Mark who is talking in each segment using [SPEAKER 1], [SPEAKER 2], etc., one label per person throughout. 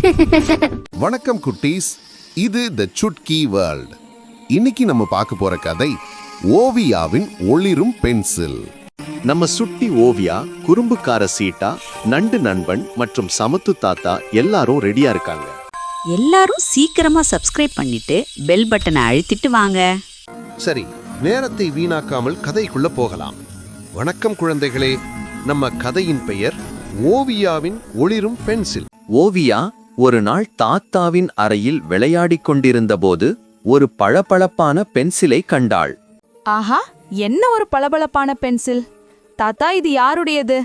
[SPEAKER 1] வணக்கம் குட்டீஸ், இது தி சுட்கி வேர்ல்ட். இன்னைக்கு நம்ம பார்க்க போற கதை ஓவியாவின் ஒளிரும் பென்சில்.
[SPEAKER 2] நம்ம சுட்டி ஓவியா, குறும்புக்கார சீட்டா, நண்டு நண்பன் மற்றும் சமத்து தாத்தா எல்லாரும் ரெடியா இருக்காங்க.
[SPEAKER 3] எல்லாரும் சீக்கிரமா சப்ஸ்கிரைப் பண்ணிட்டு பெல் பட்டனை அழுத்திட்டு வாங்க.
[SPEAKER 1] சரி, நேரத்தை வீணாக்காமல் கதைக்குள்ள போகலாம். வணக்கம் குழந்தைகளே, நம்ம கதையின் பெயர் ஓவியாவின் ஒளிரும் பென்சில்.
[SPEAKER 2] ஓவியா ஒரு நாள் தாத்தாவின் அறையில் விளையாடிக் கொண்டிருந்த போது ஒரு பளபளப்பான பென்சிலை கண்டாள்.
[SPEAKER 4] ஆஹா, என்ன ஒரு பளபளப்பான பென்சில்! தாத்தா, இது யாருடையது?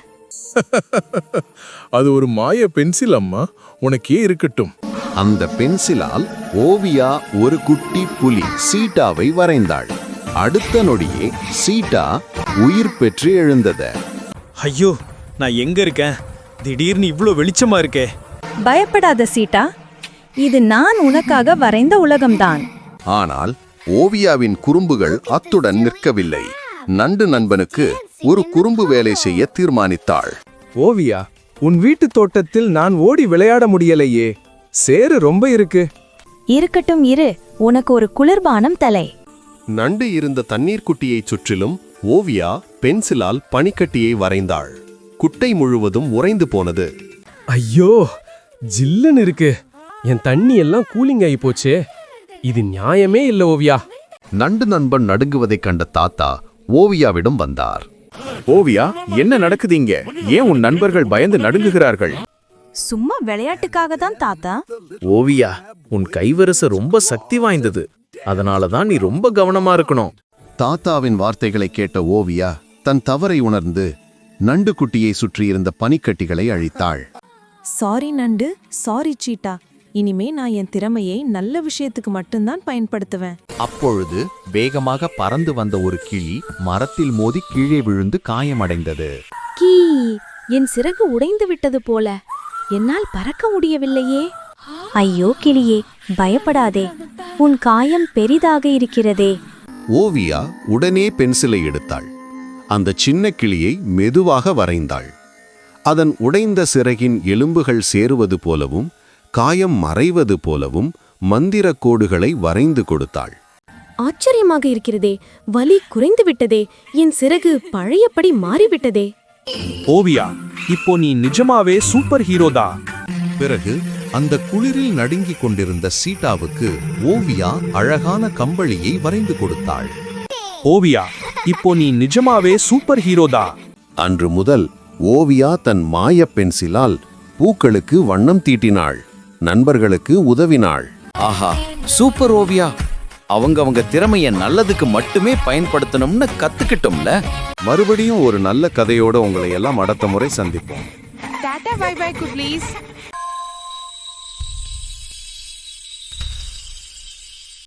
[SPEAKER 5] அது ஒரு மாய பென்சில் அம்மா, உனக்கே இருக்கட்டும்.
[SPEAKER 1] அந்த பென்சிலால் ஓவியா ஒரு குட்டி புலி சீட்டாவை வரைந்தாள். அடுத்த நொடியே சீட்டா உயிர் பெற்று எழுந்தது.
[SPEAKER 6] ஐயோ, நான் எங்க இருக்கேன்? திடீர்னு இவ்ளோ வெளிச்சமா இருக்கே.
[SPEAKER 7] பயப்படாத சீட்டா, இது நான் உனக்காக வரைந்த உலகம்தான்.
[SPEAKER 1] ஆனால் ஓவியாவின் குறும்புகள் அத்துடன் நிற்கவில்லை. நண்டு நண்பனுக்கு ஒரு குறும்பு வேலை செய்ய தீர்மானித்தாள்.
[SPEAKER 8] ஓவியா, உன் வீட்டு தோட்டத்தில் நான் ஓடி விளையாட முடியலையே, சேறு ரொம்ப இருக்கு.
[SPEAKER 7] இருக்கட்டும் இரு, உனக்கு ஒரு குளிர்பானம் தலை.
[SPEAKER 1] நண்டு இருந்த தண்ணீர் குட்டியைச் சுற்றிலும் ஓவியா பென்சிலால் பனிக்கட்டியை வரைந்தாள். குட்டை முழுவதும் உறைந்து போனது.
[SPEAKER 8] ஐயோ, ஜில்லுன்னு இருக்கு. என் தண்ணி எல்லாம் கூலிங் ஆகி போச்சே. இது நியாயமே இல்ல ஓவியா.
[SPEAKER 1] நண்டு நண்பன் நடுங்குவதைக் கண்ட தாத்தா ஓவியாவிடம் வந்தார்.
[SPEAKER 2] ஓவியா, என்ன நடக்குதுங்க? ஏன் உன் நண்பர்கள் பயந்து நடுங்குகிறார்கள்?
[SPEAKER 7] சும்மா விளையாட்டுக்காக தான் தாத்தா.
[SPEAKER 6] ஓவியா, உன் கைவரிசை ரொம்ப சக்தி வாய்ந்தது. அதனாலதான் நீ ரொம்ப கவனமா இருக்கணும்.
[SPEAKER 1] தாத்தாவின் வார்த்தைகளை கேட்ட ஓவியா தன் தவறை உணர்ந்து நண்டு குட்டியை சுற்றியிருந்த பனிக்கட்டிகளை அழித்தாள்.
[SPEAKER 7] சாரி நண்டு, சாரி சீட்டா. இனிமே நான் என் திறமையை நல்ல விஷயத்துக்கு மட்டும்தான் பயன்படுத்துவேன்.
[SPEAKER 2] அப்பொழுது வேகமாக பறந்து வந்த ஒரு கிளி மரத்தில் மோதி கீழே விழுந்து காயமடைந்தது.
[SPEAKER 7] கீ, என் சிறகு உடைந்து விட்டது போல. என்னால் பறக்க முடியவில்லையே. ஐயோ கிளியே, பயப்படாதே. உன் காயம் பெரிதாக இருக்கிறதே.
[SPEAKER 1] ஓவியா உடனே பென்சிலை எடுத்தாள். அந்த சின்ன கிளியை மெதுவாக வரைந்தாள். அதன் உடைந்த சிறகின் எலும்புகள் சேருவது போலவும் காயம் மறைவது போலவும் மந்திர கோடுகளை வரைந்து கொடுத்தாள்.
[SPEAKER 7] ஆச்சரியமாக இருக்கிறதே, வலி குறைந்து விட்டதே, என் சிறகு பழையபடி மாறிவிட்டதே.
[SPEAKER 6] ஓவியா, இப்போ நீ நிஜமாவே சூப்பர் ஹீரோதா.
[SPEAKER 1] பிறகு அந்த குளிரில் நடுங்கிக் கொண்டிருந்த சீட்டாவுக்கு ஓவியா அழகான கம்பளியை வரைந்து கொடுத்தாள்.
[SPEAKER 6] ஓவியா, இப்போ நீ நிஜமாவே சூப்பர் ஹீரோதா.
[SPEAKER 1] அன்று முதல் ஓவியா தன் மாய பென்சிலால் பூக்களுக்கு வண்ணம் தீட்டினாள், நண்பர்களுக்கு உதவினாள்.
[SPEAKER 2] ஆஹா, சூப்பர் ஓவியா! அவங்க திறமைய நல்லதுக்கு மட்டுமே பயன்படுத்தணும்னு கத்துக்கிட்டோம்ல.
[SPEAKER 1] மறுபடியும் ஒரு நல்ல கதையோட உங்களை எல்லாம் அடுத்த முறை சந்திப்போம்.
[SPEAKER 4] Tata, bye bye குட்லீஸ்.